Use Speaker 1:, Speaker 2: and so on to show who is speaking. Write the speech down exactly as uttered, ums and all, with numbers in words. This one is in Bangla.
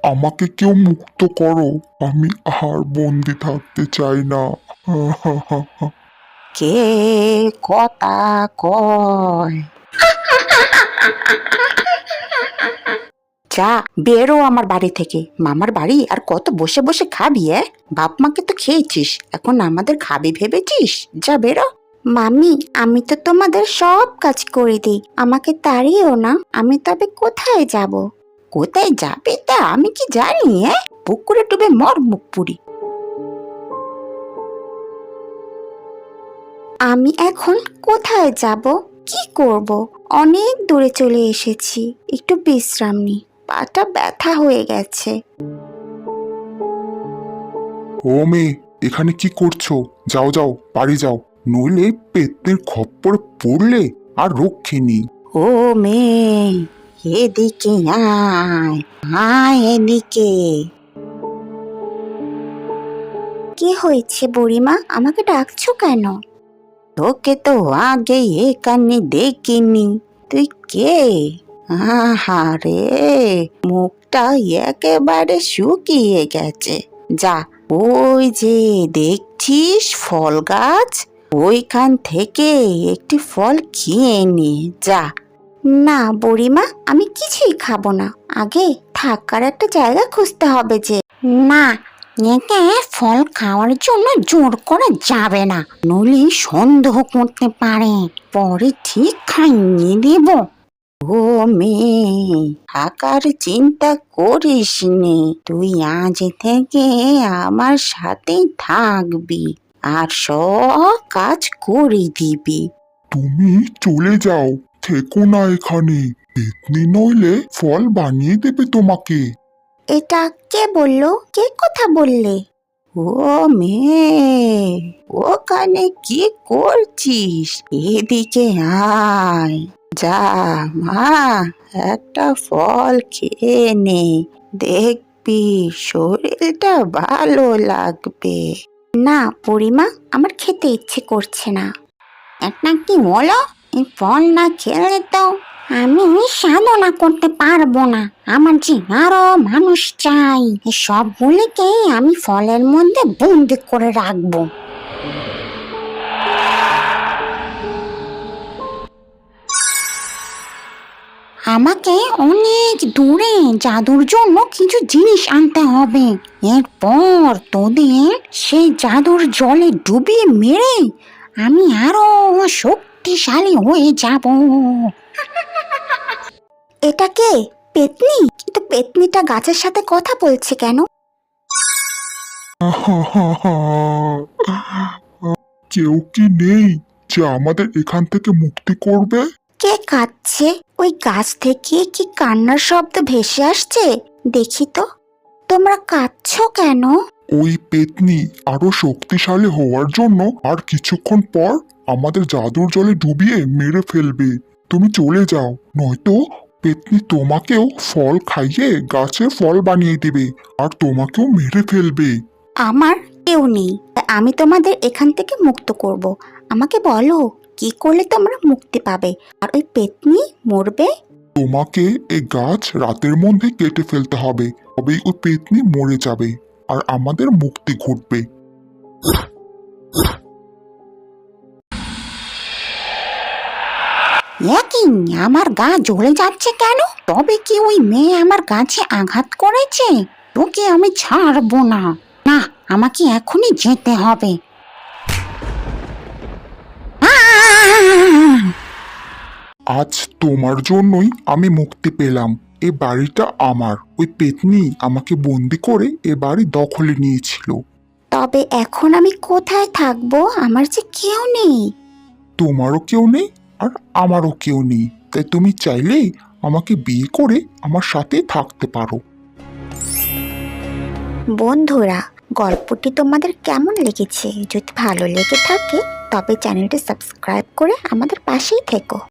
Speaker 1: আমাকে কেউ মুক্ত করো, আমি আর বন্দি থাকতে চাই না।
Speaker 2: কে কথা কয়? যা বেরো আমার বাড়ি থেকে। মামার বাড়ি আর কত বসে বসে খাবি? এ বাপ মাকে তো খেয়েছিস, এখন আমাদের খাবি ভেবেছিস? যা বেরো। মামি, আমি তো তোমাদের সব কাজ করে দিই, আমাকে তাড়িও না। আমি তবে কোথায় যাব? কোথায় যাবে তা আমি কি জানি? হ্যাঁ, পুকুরে ডুবে মর মুখ পুরি। আমি এখন কোথায় যাব? কি করব? অনেক দূরে চলে এসেছি, একটু বিশ্রাম নি, পাটা ব্যথা হয়ে গেছে।
Speaker 1: ও মেয়ে, এখানে কি করছো? যাও যাও, বাড়ি যাও, নইলে পেতনির খপ্পরে পড়লে আর রক্ষে নেই।
Speaker 2: ও মেয়ে, এদিকে আয়, আয় এদিকে। কি হয়েছে বুড়িমা, আমাকে ডাকছো কেন? তোকে তো আগে এখানে দেখিনি, তুই কে? আহারে, মুখটা একেবারে শুকিয়ে গেছে। যা, ওই যে দেখছিস ফল গাছ, ওইখান থেকে একটি ফল খেয়ে নে যা। না বুড়িমা, আমি কিছুই খাবো না, আগে থাকার একটা জায়গা খুঁজতে হবে যে। না, একে ফল খাওয়ার জন্য জোর করা যাবে না, নইলে সন্দেহ করতে পারে, পরে ঠিক খাইয়ে দেব। ও মেয়ে, থাকার চিন্তা করিস নে, তুই আজ থেকে আমার সাথেই থাকবি আর সব কাজ করে দিবি।
Speaker 1: তুমি চলে যাও, থেকো না এখানে, পেতনি নইলে ফল বানিয়ে দেবে তোমাকে।
Speaker 2: এটা কে বললো? কে কথা বললে? ও মেয়ে, ওখানে কি করছিস? এদিকে আয়। যা মা, একটা ফল খেয়ে নে, দেখবি শরীরটা ভালো লাগবে। না বুড়িমা, আমার খেতে ইচ্ছে করছে না। এটা কি হলো? এই ফল না খেলে তো আমি সাধনা করতে পারবো না, আমার যে আরো মানুষ চাই, সবগুলিকে আমি ফলের মধ্যে বন্দি করে রাখবো। আমাকে অনেক দূরে জাদুর জন্য কিছু জিনিস আনতে হবে, এরপর তোদের সেই জাদুর জলে ডুবিয়ে মেরে আমি আরো শক্তিশালী হয়ে যাব। এটা কে? পেতনি? কিন্তু পেতনিটা গাছের সাথে কথা বলছে কেন?
Speaker 1: কেউ কি নেই যে আমাদের এখান থেকে মুক্তি করবে?
Speaker 2: কে কাঁদছে? ওই গাছ থেকে কি কান্নার শব্দ ভেসে আসছে? দেখি তো। তোমরা কাঁদছো কেন?
Speaker 1: ওই পেতনি আরো শক্তিশালী হওয়ার জন্য আর কিছুক্ষণ পর আমাদের জাদুর জলে ডুবিয়ে মেরে ফেলবে। তুমি চলে যাও, নয়তো পেতনি তোমাকেও ফল খাইয়ে গাছের ফল বানিয়ে দেবে আর তোমাকেও মেরে ফেলবে।
Speaker 2: আমার কেউ নেই, আমি তোমাদের এখান থেকে মুক্ত করব। আমাকে বলো, কি করলে তোমরা মুক্তি পাবে আর ওই পেতনি মরবে?
Speaker 1: তোমাকে এই গাছ রাতের মধ্যে কেটে ফেলতে হবে, তবেই ওই পেতনি মরে যাবে আর আমাদের মুক্তি ঘটবে।
Speaker 2: একই, আমার গা জ্বলে যাচ্ছে কেন? তবে কি ওই মেয়ে আমার গাছে আঘাত করেছে? তোকে আমি ছাড়বো না। না, আমাকে এখনই যেতে হবে। আহ!
Speaker 1: আজ তোমার জন্যই আমি মুক্তি পেলাম। এ বাড়িটা আমার, ওই পেতনি আমাকে বন্দি করে এ বাড়ি দখলে নিয়েছিল।
Speaker 2: তবে এখন আমি কোথায় থাকবো? আমার যে কেউ নেই।
Speaker 1: তোমারও কেউ নেই আর আমারও কেউ নেই, তাই তুমি চাইলেই আমাকে বিয়ে করে আমার সাথে থাকতে পারো।
Speaker 2: বন্ধুরা, গল্পটি তোমাদের কেমন লেগেছে? যদি ভালো লেগে থাকে তবে চ্যানেলটি সাবস্ক্রাইব করে আমাদের পাশেই থেকো।